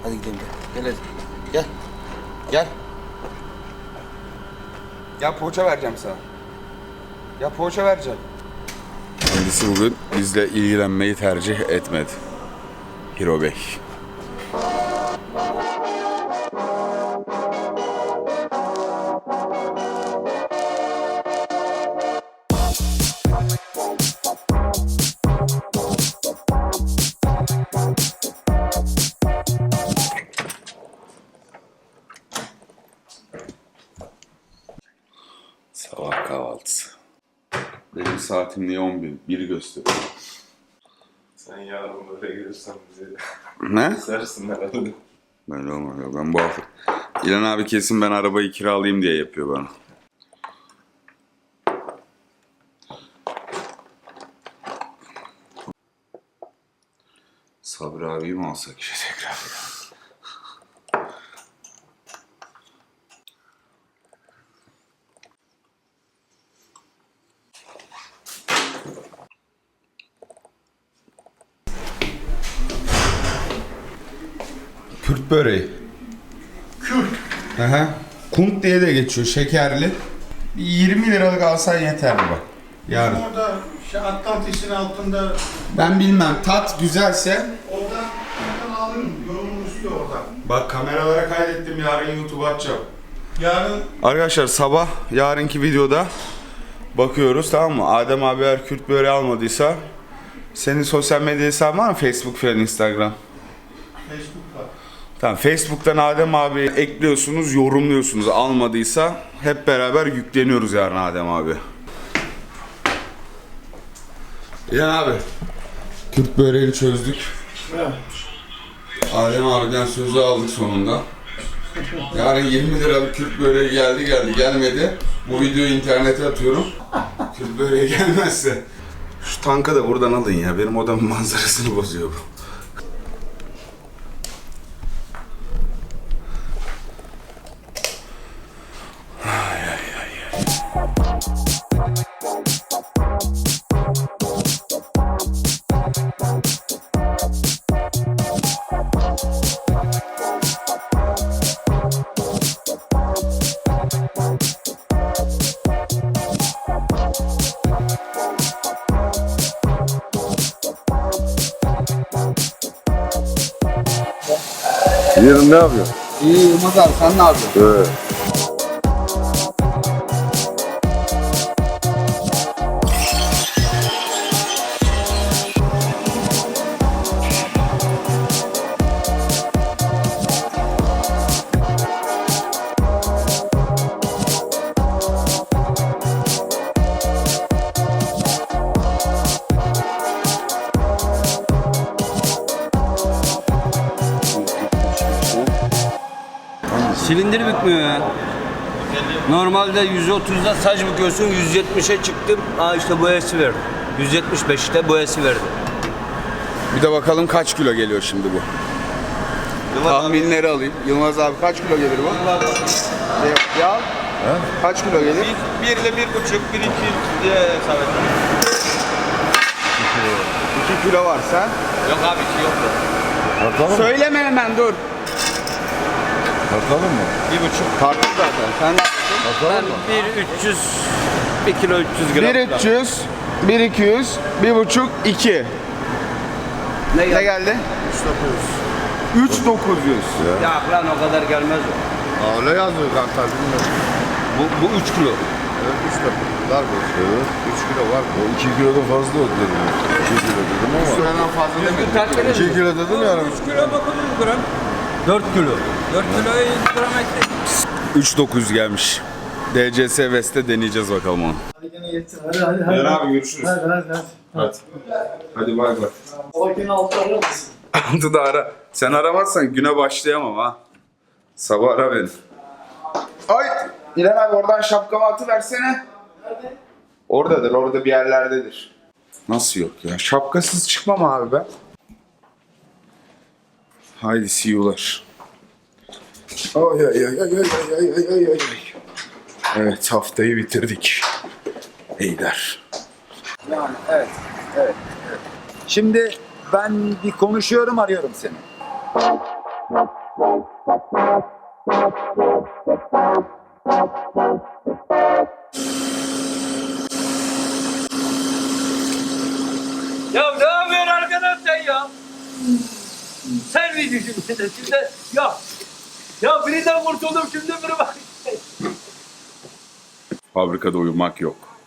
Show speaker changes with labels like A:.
A: Hadi gidelim gel. Gel hadi. Gel. Gel.
B: Ya poğaça vereceğim sana. Ya poğaça vereceğim.
C: Kendisi bugün bizle ilgilenmeyi tercih etmedi. Hiro Bey. Sabah kahvaltısı. Benim saatim niye 11? 1 gösteriyor.
D: Sen yarın böyle gelirsen bizi
C: Ne?
D: sersin herhalde.
C: Böyle olmuyor. Ben bu hafta... İlhan abi kesin ben arabayı kiralayayım diye yapıyor bana. Sabri abiyi mi alsak işte tekrar?
B: Kürt böreği.
D: Kürt.
B: Aha. Kunt diye de geçiyor, şekerli. 20 liralık alsan yeterli bak. Yarın.
D: Orada Atlantis'in altında
B: Ben bilmem, tat güzelse.
D: oradan alırım. Yorumun üstü orada.
B: Bak kameralara kaydettim, yarın YouTube'a atacağım.
D: Yarın
C: Arkadaşlar sabah yarınki videoda bakıyoruz, tamam mı? Adem abi eğer Kürt böreği almadıysa senin sosyal medya hesabın var mı? Facebook falan, Instagram.
D: Facebook'ta.
C: Tamam, Facebook'tan Adem abi ekliyorsunuz, yorumluyorsunuz. Almadıysa hep beraber yükleniyoruz yarın Adem abi. İlhan abi, Kürt böreğini çözdük. Adem abiden sözü aldık sonunda. Yarın 20 liralık Kürt böreği gelmedi. Bu videoyu internete atıyorum. Kürt böreği gelmezse. Şu tankı da buradan alın ya, benim odamın manzarasını bozuyor bu.
E: Yarın ne yapıyorsun?
B: İyi Yılmaz abi, sen ne yapıyorsun?
E: Evet.
A: Silindir bükmüyor ya. Normalde 130'da saç büküyorsun, 170'e çıktım. İşte boyası verdi. 175'te boyası verdi.
C: Bir de bakalım kaç kilo geliyor şimdi bu. Tahminleri alayım. Yılmaz abi kaç kilo gelir bu? Ya kaç kilo gelir?
A: 1 ile 1,5, 1,2 diye hesap ettim.
C: 2 kilo var sen.
A: Yok abi, 2 yok.
E: Tartalım mı?
C: Söyleme hemen, dur.
E: Tartalım mı?
A: 1,5.
C: Tartıl zaten. Sen
A: Ben 1,300, 1 kilo 300 gram.
C: 1.300, 1.200, 1.5, 2.
A: Ne
C: Ne geldi? 3.900.
A: Ya lan o kadar gelmez o.
E: Öyle yazıyor kanka, bilmiyorum.
A: Bu 3 kilo.
E: Evet, 3 dakika. Dar bu. Evet. 3 kilo var. O 2 kilodan fazla oldu dedim. 2 kilo dedim ama.
C: Süreden fazla demedim.
E: 2 kilo dedim yani.
F: 3 kilo 900 gram. 4 kilo. 4 kiloya 100 gram ekle.
C: 3.900 gelmiş. DCS West'te deneyeceğiz bakalım onu.
D: Hadi gene yetsin. Hadi.
C: Yarın abi görüşürüz.
D: Hadi.
C: Hadi bay bay.
D: O gene altı arar mısın?
C: Altı da ara. Sen aramazsan güne başlayamam ha. Sabah ara beni. Ay! İlhan abi oradan şapkamı atıversene. Nerede? Oradadır, orada bir yerlerdedir. Nasıl yok ya? Şapkasız çıkmam abi ben. Haydi see you'lar. Ay ay ay ay ay ay ay ay ay. Evet, haftayı bitirdik. Eyder.
G: Yani evet, evet. Şimdi ben bir konuşuyorum, arıyorum seni.
F: Ya ne yapıyorsun arkadaş sen ya? Sen mi düşündün şimdi? Ya birinden kurtuldum şimdi biri bak.
C: Fabrikada uyumak yok.